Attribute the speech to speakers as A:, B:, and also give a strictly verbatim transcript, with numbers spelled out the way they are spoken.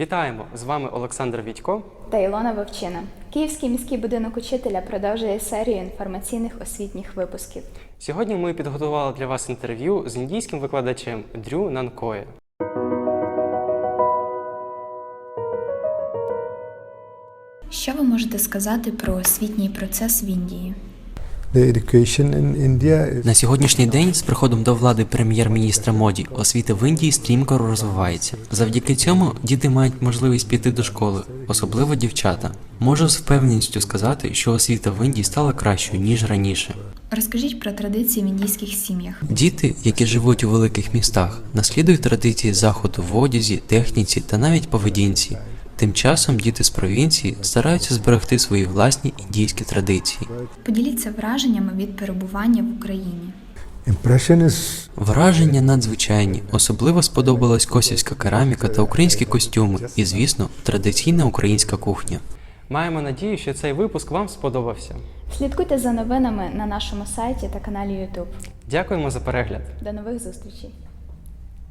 A: Вітаємо! З вами Олександр Відько
B: та Ілона Вовчина. Київський міський будинок учителя продовжує серію інформаційних освітніх випусків.
A: Сьогодні ми підготували для вас інтерв'ю з індійським викладачем Дрю Нанкоє.
B: Що ви можете сказати про освітній процес в Індії?
C: На сьогоднішній день з приходом до влади прем'єр-міністра Моді освіта в Індії стрімко розвивається. Завдяки цьому діти мають можливість піти до школи, особливо дівчата. Можу з впевненістю сказати, що освіта в Індії стала кращою, ніж раніше.
B: Розкажіть про традиції в індійських сім'ях.
C: Діти, які живуть у великих містах, наслідують традиції заходу в одязі, техніці та навіть поведінці. Тим часом діти з провінції стараються зберегти свої власні індійські традиції.
B: Поділіться враженнями від перебування в Україні.
C: Враження надзвичайні. Особливо сподобалась косівська кераміка та українські костюми і, звісно, традиційна українська кухня.
A: Маємо надію, що цей випуск вам сподобався.
B: Слідкуйте за новинами на нашому сайті та каналі YouTube.
A: Дякуємо за перегляд.
B: До нових зустрічей!